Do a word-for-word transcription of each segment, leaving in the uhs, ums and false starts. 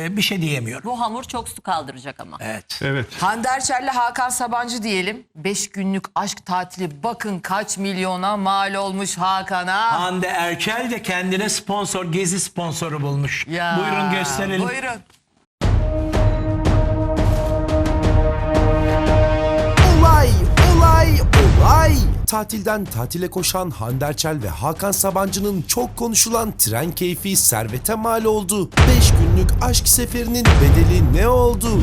e, bir şey diyemiyorum. Bu hamur çok su kaldıracak ama. Evet. Evet. Hande Erçel'le Hakan Sabancı diyelim. Beş günlük aşk tatili bakın kaç milyona mal olmuş Hakan'a. Hande Erçel de kendine sponsor, gezi sponsoru bulmuş. Ya, Buyurun gösterelim. Buyurun. Olay, olay, olay. Tatilden tatile koşan Hande Erçel ve Hakan Sabancı'nın çok konuşulan tren keyfi servete mal oldu. beş günlük aşk seferinin bedeli ne oldu?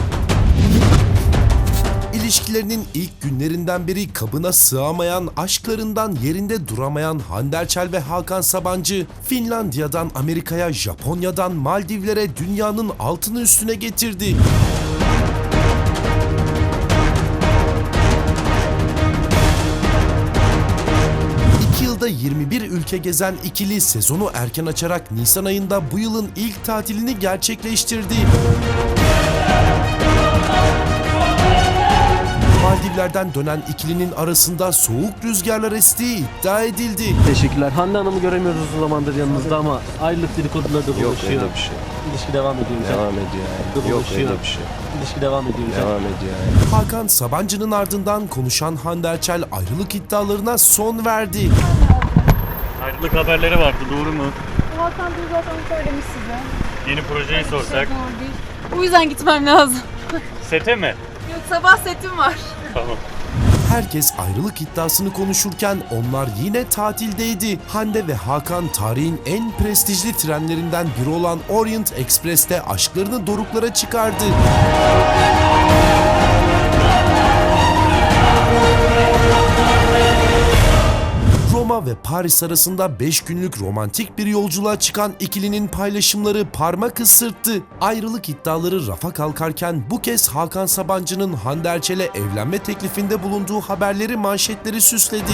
İlişkilerinin ilk günlerinden beri kabına sığamayan, aşklarından yerinde duramayan Hande Erçel ve Hakan Sabancı, Finlandiya'dan Amerika'ya, Japonya'dan Maldivlere dünyanın altını üstüne getirdi. iki yılda yirmi bir ülke gezen ikili sezonu erken açarak Nisan ayında bu yılın ilk tatilini gerçekleştirdi. Maldivler'den dönen ikilinin arasında soğuk rüzgarlar estiği iddia edildi. Teşekkürler. Hande Hanım'ı göremiyoruz uzun zamandır yanınızda ama ayrılık dedikoduları da Yok dolaşıyor. öyle bir şey. İlişki devam ediyor. Devam ediyor yani. Yok öyle bir şey. İlişki devam ediyor. Devam ediyor yani. Hakan Sabancı'nın ardından konuşan Hande Erçel ayrılık iddialarına son verdi. Ayrılık haberleri vardı, doğru mu? Hakan Bey zaten söylemiş size. Yeni projeyi sorsak. Doğru değil. O yüzden gitmem lazım. Sete mi? Yok, sabah setim var. Tamam. Herkes ayrılık iddiasını konuşurken onlar yine tatildeydi. Hande ve Hakan tarihin en prestijli trenlerinden biri olan Orient Express'te aşklarını doruklara çıkardı. Roma ve Paris arasında beş günlük romantik bir yolculuğa çıkan ikilinin paylaşımları parmak ısırttı. Ayrılık iddiaları rafa kalkarken bu kez Hakan Sabancı'nın Hande Erçel'e evlenme teklifinde bulunduğu haberleri manşetleri süsledi.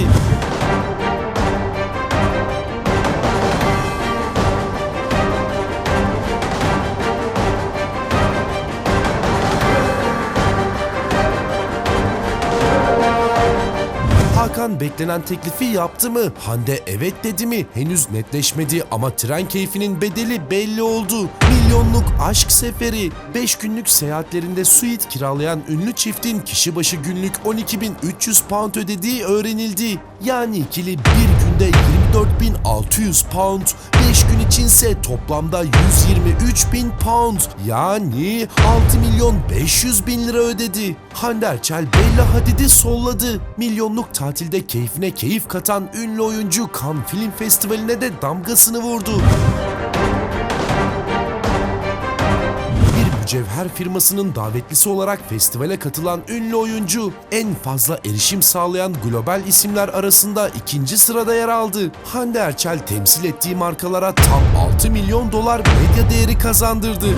Hakan beklenen teklifi yaptı mı? Hande evet dedi mi? Henüz netleşmedi ama tren keyfinin bedeli belli oldu. Milyonluk aşk seferi. beş günlük seyahatlerinde suite kiralayan ünlü çiftin kişi başı günlük on iki bin üç yüz pound ödediği öğrenildi. Yani ikili bir günde yirmi dört bin altı yüz pound, beş gün içinse toplamda yüz yirmi üç bin pound. Yani altı milyon beş yüz bin lira ödedi. Hande Erçel Bella Hadid'i solladı. Milyonluk tatilde keyfine keyif katan ünlü oyuncu Cannes Film Festivali'ne de damgasını vurdu. Bir mücevher firmasının davetlisi olarak festivale katılan ünlü oyuncu, en fazla erişim sağlayan global isimler arasında ikinci sırada yer aldı. Hande Erçel temsil ettiği markalara tam altı milyon dolar medya değeri kazandırdı.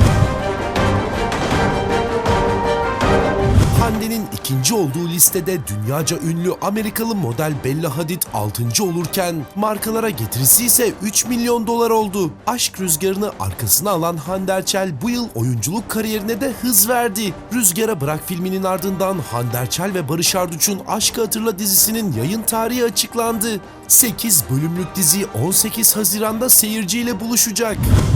Hande'nin ikinci olduğu listede dünyaca ünlü Amerikalı model Bella Hadid altıncı olurken markalara getirisi ise üç milyon dolar oldu. Aşk rüzgarını arkasına alan Hande Erçel bu yıl oyunculuk kariyerine de hız verdi. Rüzgara Bırak filminin ardından Hande Erçel ve Barış Arduç'un Aşkı Hatırla dizisinin yayın tarihi açıklandı. sekiz bölümlük dizi on sekiz Haziran'da seyirciyle buluşacak.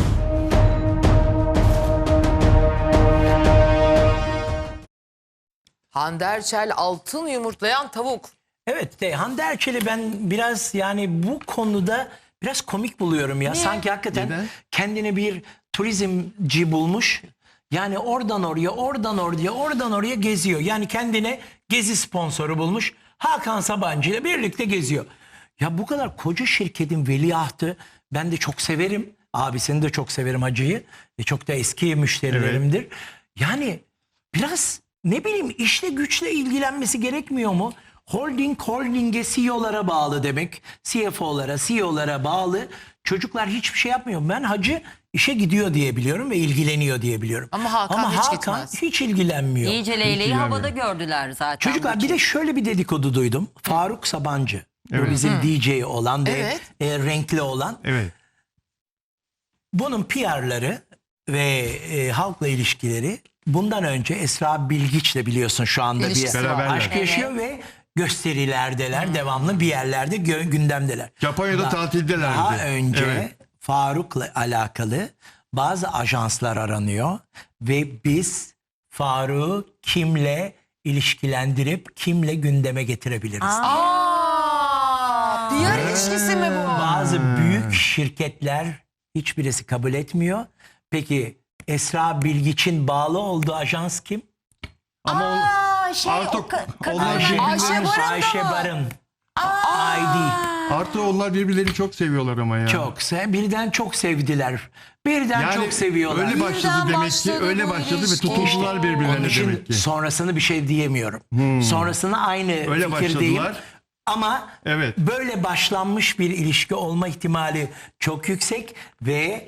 Hande Erçel altın yumurtlayan tavuk. Evet de Hande Erçel'i ben biraz yani bu konuda biraz komik buluyorum ya. Niye? Sanki hakikaten Neden? kendine bir turizmci bulmuş. Yani oradan oraya, oradan oraya, oradan oraya geziyor. Yani kendine gezi sponsoru bulmuş. Hakan Sabancı ile birlikte geziyor. Ya bu kadar koca şirketin veliahtı, ben de çok severim. Abisini de çok severim, Hacı'yı. E çok da eski müşterilerimdir. Yani biraz ne bileyim işle güçle ilgilenmesi gerekmiyor mu? Holding holdinge C E O'lara bağlı demek. C F O'lara, C E O'lara bağlı. Çocuklar hiçbir şey yapmıyor. Ben Hacı işe gidiyor diye biliyorum ve ilgileniyor diye biliyorum. Ama Hakan Ama hiç Hakan gitmez. hiç ilgilenmiyor. İyice leyleği havada gördüler zaten. Çocuklar bir de şöyle bir dedikodu duydum. Faruk Sabancı. Evet. Bu bizim D J olan ve Evet. e, renkli olan. Evet. Bunun P R'ları ve e, halkla ilişkileri bundan önce Esra Bilgiç'le biliyorsun şu anda İlişkisi bir var. aşk Evet. yaşıyor ve gösterilerdeler, devamlı bir yerlerde gö- gündemdeler. Japonya'da Da- tatildelerdi. Daha önce Evet. Faruk'la alakalı bazı ajanslar aranıyor ve biz Faruk'u kimle ilişkilendirip kimle gündeme getirebiliriz. Aa, P R ilişkisi mi bu? Bazı büyük şirketler hiçbirisi kabul etmiyor. Peki Esra Bilgiç'in bağlı olduğu ajans kim? Ama on- Aa, şey, Artık o ka- ka- onlar Ayşe- birbirlerini- Ayşe Barın da Ayşe mı? Barın. I D. Artı onlar birbirlerini çok seviyorlar ama ya. Çok se birden çok sevdiler. Birden Yani çok seviyorlar. öyle başladı Birden demek başladı ki. Öyle bu başladı ve ilişki. tutuldular Onun birbirlerine için demek ki. sonrasını bir şey diyemiyorum. Sonrasını aynı Öyle fikirdeyim. başladılar. Ama Evet. böyle başlanmış bir ilişki olma ihtimali çok yüksek ve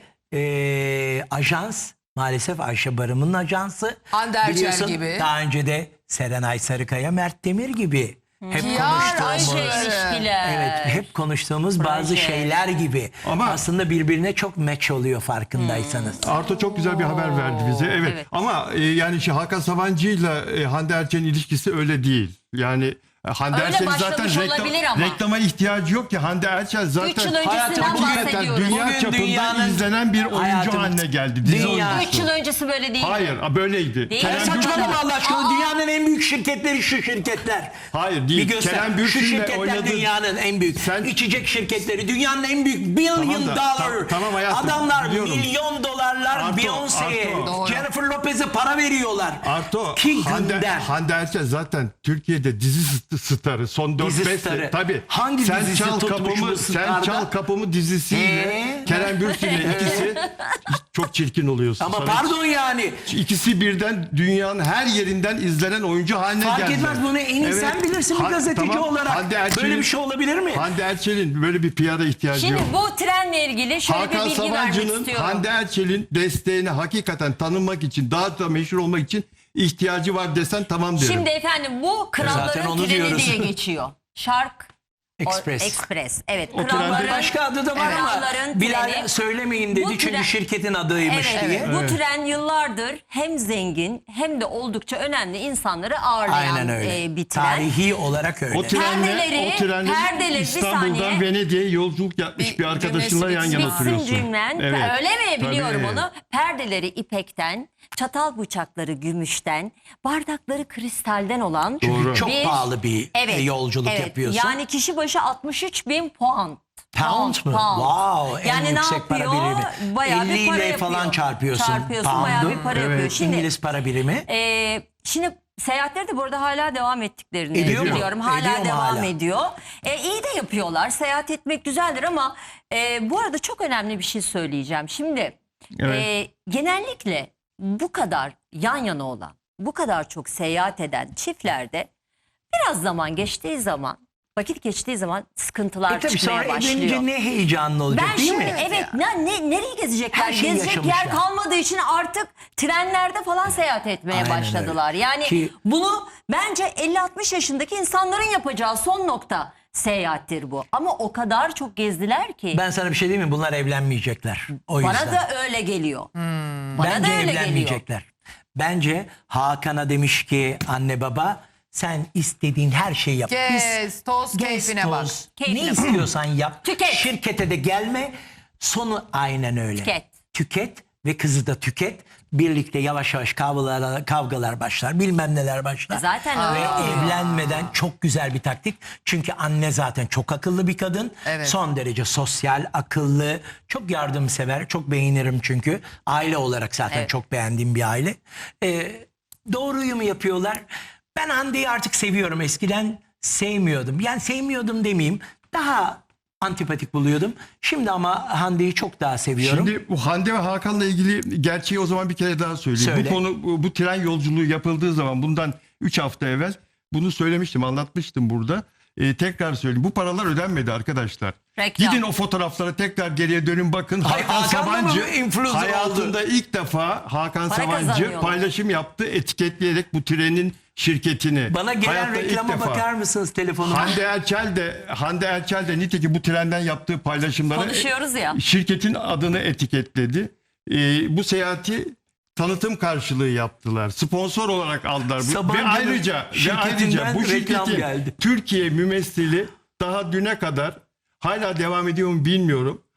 eee, ajans maalesef Ayşe Barım'ın ajansı. Hande Erçel Biliyorsun, gibi. Daha önce de Serenay Sarıkaya, Mert Demir gibi. Hep P R konuştuğumuz. Ayşe. ilişkiler. Evet, hep konuştuğumuz bazı Proje. şeyler gibi. Ama- aslında birbirine çok match oluyor farkındaysanız. Arto çok güzel bir haber verdi bize. Evet. Evet. Ama e, yani şey Hakan Sabancı'yla e, Hande Erçel'in ilişkisi öyle değil. Yani e, Hande Öyle Erçel'in zaten başlamış reklam, olabilir ama. reklama ihtiyacı yok ki. Hande Erçel zaten Üç yıl öncesinden Hayatım, bahsediyoruz. dünya Bugün çapında dünyanın- izlenen bir oyuncu Hayatım, haline geldi. Dizi dünya- oyuncusu. Üç yıl öncesi böyle değil. Hayır, böyleydi. Değil. Kerem Ya Bürsin- Saçmalama Allah aşkına, dünyanın en büyük şirketleri şu şirketler. Hayır Bir değil. göster. Kerem Şu Bürsin'le şirketler oynadı. dünyanın en büyük. Sen- İçecek şirketleri dünyanın en büyük billion Tamam da, dollar. tam- tamam hayatım, Adamlar biliyorum. milyon dolarlar Arto, Beyoncé'ye, Arto. Doğru. Jennifer Lopez'e para veriyorlar. Arto, Ki Hande, gönder. Hande Erçel zaten Türkiye'de dizi st- starı son dört Dizi beş starı. sene. Tabii. Hangi Sen dizisi Çal tutmuş Kapımı, bu Sen starda? Çal Kapımı dizisiyle Ee? Kerem Bürsin'le ikisi çok çirkin oluyorsun. Ama Sana- pardon yani. İkisi birden dünyanın her yerinden izlenen oyuncu haline Fark geldi. etmez, bunu en iyi sen bilirsin bir Ha- gazeteci tamam. olarak. Hande Erçel'in- Böyle bir şey olabilir mi? Hande Erçel'in böyle bir P R'a ihtiyacı Şimdi yok. bu trenle ilgili şöyle Hakan bir bilgi vermek Sabancı'nın istiyorum. Hande Erçel'in desteğine hakikaten tanınmak için, daha da meşhur olmak için ihtiyacı var desen tamam derim. Şimdi efendim bu Zaten kralların onu treni diyoruz. diye geçiyor. Şark Express. O- Express. Evet. O kralların, trende- Başka adı da var ama kralların Bilal treni. söylemeyin dedi Bu çünkü tren- şirketin adıymış Evet, diye. bu tren yıllardır hem zengin hem de oldukça önemli insanları ağırlayan Aynen öyle. e, bir tren. Tarihi olarak öyle. O trenle, Perdeleri- o trenle perdeleri, bir İstanbul'dan saniye. Venedik'e yolculuk yapmış Bir bir arkadaşınla yan cümlesi yana bitsin. oturuyorsun. Bitsin cümlen. Evet. Öyle mi? Biliyorum Tabii. onu. Perdeleri ipekten, çatal bıçakları gümüşten, bardakları kristalden olan Doğru. Çok bir- pahalı bir e, yolculuk evet. yapıyorsun. Yani kişi başı altmış üç bin puan. Pound mu? Wow, en Yani ne yüksek para yapıyor? birimi. Bayağı bir elli para ile yapıyor. falan çarpıyorsun. Çarpıyorsun, pound'u. bayağı bir para yapıyor. Şimdi, İngiliz para birimi. e, şimdi seyahatleri de bu arada hala devam ettiklerini Ediyor mu? biliyorum. Hala Ediyor mu devam hala? ediyor. E, iyi de yapıyorlar. Seyahat etmek güzeldir ama e, bu arada çok önemli bir şey söyleyeceğim. Şimdi Evet. e, genellikle bu kadar yan yana olan, bu kadar çok seyahat eden çiftlerde biraz zaman geçtiği zaman, vakit geçtiği zaman sıkıntılar E tabii çıkmaya sonra başlıyor. evlenince ne heyecanlı olacak Ben değil şimdi mi? evet ne, ne, nereye gezecekler? Her şeyi Gezecek yer yaşamışlar. kalmadığı için artık trenlerde falan seyahat etmeye Aynen başladılar. öyle. Yani Ki- bunu bence elli altmış yaşındaki insanların yapacağı son nokta seyahattir bu. Ama o kadar çok gezdiler ki Ben sana bir şey diyeyim mi? Bunlar evlenmeyecekler. O yüzden. bana da öyle geliyor. Bana Bence da öyle geliyor. evlenmeyecekler. Bence Hakan'a demiş ki anne baba sen istediğin her şeyi yap. Gez, toz, keyfine toz, bak. Keyfine ne bak. istiyorsan yap. Tüket. Şirkete de gelme. Sonu aynen öyle. Tüket. Tüket ve kızı da tüket. Birlikte yavaş yavaş kavgalar, kavgalar başlar. Bilmem neler başlar. Zaten Ve öyle oluyor. evlenmeden çok güzel bir taktik. Çünkü anne zaten çok akıllı bir kadın. Evet. Son derece sosyal, akıllı, çok yardımsever. Çok beğenirim çünkü. Aile olarak zaten Evet. çok beğendiğim bir aile. Ee, doğruyu mu yapıyorlar? Ben Hande'yi artık seviyorum. Eskiden sevmiyordum. Yani sevmiyordum demeyeyim. Daha antipatik buluyordum. Şimdi ama Hande'yi çok daha seviyorum. Şimdi bu Hande ve Hakan'la ilgili gerçeği o zaman bir kere daha söyleyeyim. Söyle. Bu konu bu, bu tren yolculuğu yapıldığı zaman bundan üç hafta evvel bunu söylemiştim, anlatmıştım burada. Ee, tekrar söyleyeyim. Bu paralar ödenmedi arkadaşlar. Reklam. Gidin o fotoğraflara tekrar geriye dönün bakın. Ay, Hakan Hakan da mı Sabancı influencer hayatında ilk defa Hakan Para Sabancı kazanıyorlar. paylaşım yaptı etiketleyerek bu trenin şirketini. Bana gelen Hayatta ilk reklama defa. bakar mısınız telefonuma? Hande Erçel de Hande Erçel de nitekim bu trenden yaptığı paylaşımlara Konuşuyoruz ya. şirketin adını etiketledi. Ee, bu seyahati tanıtım karşılığı yaptılar. Sponsor olarak aldılar. Bu- Sabancı'nın ve ayrıca ve şirketinden ayrıca bu reklam şirketin geldi. Türkiye mümessili daha düne kadar hala devam ediyor mu bilmiyorum.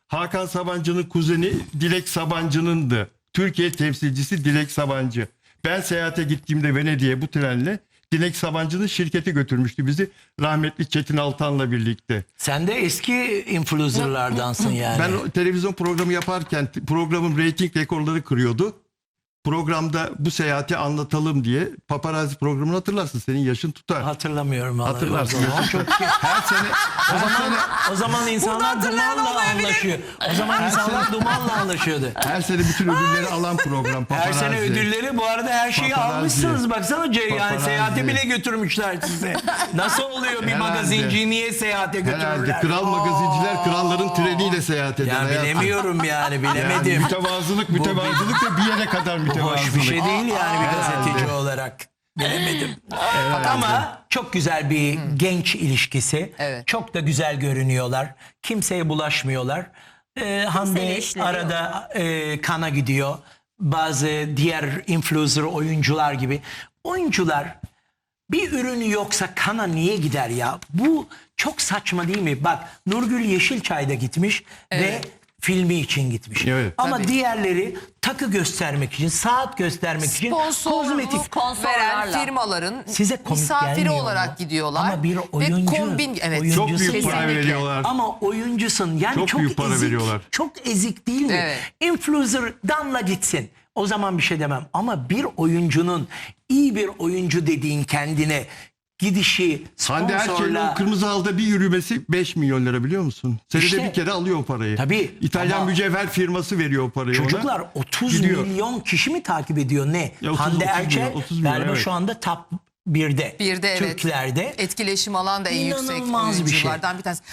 Hakan Sabancı'nın kuzeni Dilek Sabancı'nındı. Türkiye temsilcisi Dilek Sabancı. Ben seyahate gittiğimde Venedik'e bu trenle Dilek Sabancı'nın şirketi götürmüştü bizi. Rahmetli Çetin Altan'la birlikte. Sen de eski influencerlardansın yani. Ben o televizyon programı yaparken t- programım reyting rekorları kırıyordu. Programda bu seyahati anlatalım diye paparazzi programını hatırlarsın. Senin yaşın tutar. Hatırlamıyorum vallahi. Hatırlarsın. O zaman çok Her sene o zaman o zaman insanlar dumanla anlaşıyor. O zaman insanlar dumanla anlaşıyordu. her sene bütün ödülleri alan program Her paparazzi. sene ödülleri bu arada her şeyi Paparazzi. almışsınız. Baksana C- yani Paparazzi. seyahate bile götürmüşler sizi. Nasıl oluyor bir Herhalde. magazinciyi niye seyahate götürürler? Herhalde kral magazinciler kralların treniyle seyahat eder. Ya hayatım. bilemiyorum yani Yani bilemedim. mütevazılık mütevazılık da bir yere kadar mütevazılık. Hoş bir şey değil yani bir Herhalde. gazeteci olarak. Bilemedim. Ama çok güzel bir genç ilişkisi. Evet. Çok da güzel görünüyorlar. Kimseye bulaşmıyorlar. Ee, Hande işleri arada e, kana gidiyor. Bazı diğer influencer oyuncular gibi. Oyuncular bir ürünü yoksa kana niye gider ya? Bu çok saçma değil mi? Bak Nurgül Yeşilçay da gitmiş ve filmi için gitmiş. Evet. Ama Tabii. diğerleri takı göstermek için, saat göstermek için kozmetik. Sponsorluk Sponsorlarla. veren firmaların Size komik misafiri gelmiyor olarak mu? gidiyorlar. Ama bir Ve oyuncu, kombin, evet. oyuncusun Çok büyük para Kesinlikle. veriyorlar. ama oyuncusun yani çok, Çok büyük para ezik, veriyorlar. çok ezik değil mi? Evet. Influencer damla gitsin. O zaman bir şey demem. Ama bir oyuncunun iyi bir oyuncu dediğin kendine gidişi Hande Erçel'in sponsorla o kırmızı halda bir yürümesi beş milyon lira biliyor musun? Senede İşte. bir kere alıyor o parayı. Tabii, İtalyan ama mücevher firması veriyor o parayı çocuklar ona. otuz Gidiyor. milyon kişi mi takip ediyor ne? Ya otuz, Hande otuz Erçel milyon, otuz milyon, galiba evet. şu anda top birde. Bir de evet. Türklerde. Etkileşim alan da en yüksek İnanılmaz bir şey. oyunculardan bir tanesi.